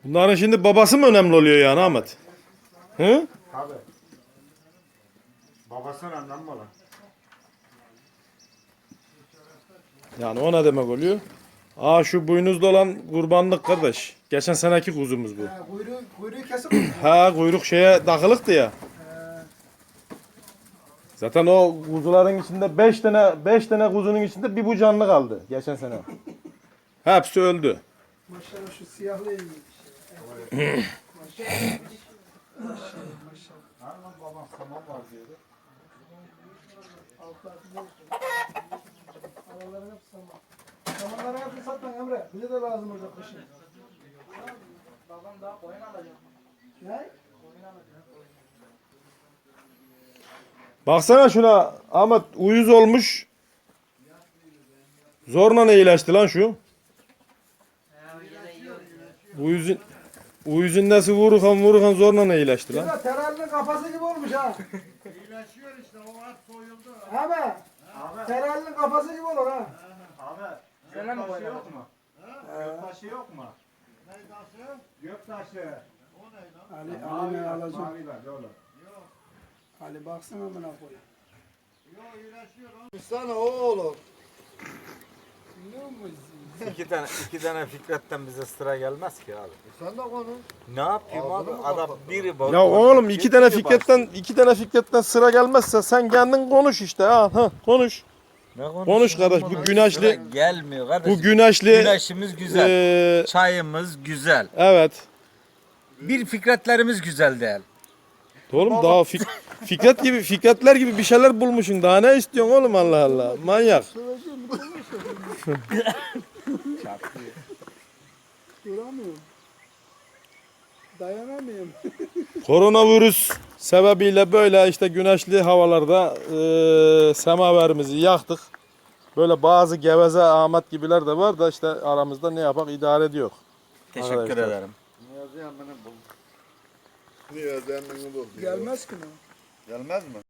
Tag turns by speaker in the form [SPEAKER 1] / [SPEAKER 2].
[SPEAKER 1] Bunların şimdi babası mı önemli oluyor yani Ahmet? Hı?
[SPEAKER 2] Tabii. Babası önemli mi olan?
[SPEAKER 1] Yani o ne demek oluyor? Aa şu boynuzlu olan kurbanlık kardeş. Geçen seneki kuzumuz bu.
[SPEAKER 3] Kuyruğu kesik mi?
[SPEAKER 1] Ha kuyruk şeye takılıktı ya. Zaten o kuzuların içinde 5 tane kuzunun içinde bir bu canlı kaldı geçen sene. Hepsi öldü.
[SPEAKER 3] Maşallah şu siyahlı iyi. Maşallah.
[SPEAKER 2] Lan babam saman var diyordu.
[SPEAKER 3] Araların hep saman. Samanları hepsini satma Emre. Bize de lazım olacak kışın. Babam daha koyun alacak. Ne?
[SPEAKER 1] Baksana şuna Ahmet uyuz olmuş. Zorla iyileşti lan şu. Uyuzun nasıl vururken zorla iyileşti lan.
[SPEAKER 3] Şurada teralinin kafası gibi olmuş ha.
[SPEAKER 2] İyileşiyor işte o at soyuldu.
[SPEAKER 3] Abi. Teralinin kafası gibi olur ha.
[SPEAKER 2] Abi göktaşı yok mu? Göktaşı yok mu? Ne taşı? Göktaşı. O ne lan?
[SPEAKER 3] Ali ne alacak?
[SPEAKER 2] Mavi ver oğlum.
[SPEAKER 3] Ali baksana buna koy.
[SPEAKER 2] Yok iyileşiyor lan.
[SPEAKER 4] Sana oğlum.
[SPEAKER 3] Biliyor musun?
[SPEAKER 5] İki tane Fikret'ten bize sıra gelmez ki abi.
[SPEAKER 4] Sen de konuş.
[SPEAKER 5] Ne yapayım abi?
[SPEAKER 4] Ağzını mı
[SPEAKER 5] Adam
[SPEAKER 4] kapattın?
[SPEAKER 5] biri bak.
[SPEAKER 1] Ya oğlum iki tane Fikret'ten sıra gelmezse sen kendin konuş işte ha konuş. Konuş kardeş bu güneşli
[SPEAKER 5] gelmiyor kardeşim.
[SPEAKER 1] bu güneşli
[SPEAKER 5] Güneşimiz güzel. Çayımız güzel.
[SPEAKER 1] evet.
[SPEAKER 5] Bir Fikretlerimiz güzel değil.
[SPEAKER 1] Oğlum daha Fikretler gibi bir şeyler bulmuşsun. Daha ne istiyorsun oğlum Allah Allah. Manyak.
[SPEAKER 3] Duramıyorum. Dayanamıyorum.
[SPEAKER 1] Koronavirüs sebebiyle böyle işte güneşli havalarda semaverimizi yaktık. Böyle bazı geveze Ahmet gibiler de var da işte aramızda ne yapak idare ediyor.
[SPEAKER 5] Teşekkür
[SPEAKER 1] Arkadaşlar.
[SPEAKER 5] ederim.
[SPEAKER 4] Niyazi emmini bul. Niyazi emmini bul.
[SPEAKER 3] Gelmez ki ne?
[SPEAKER 4] Gelmez mi?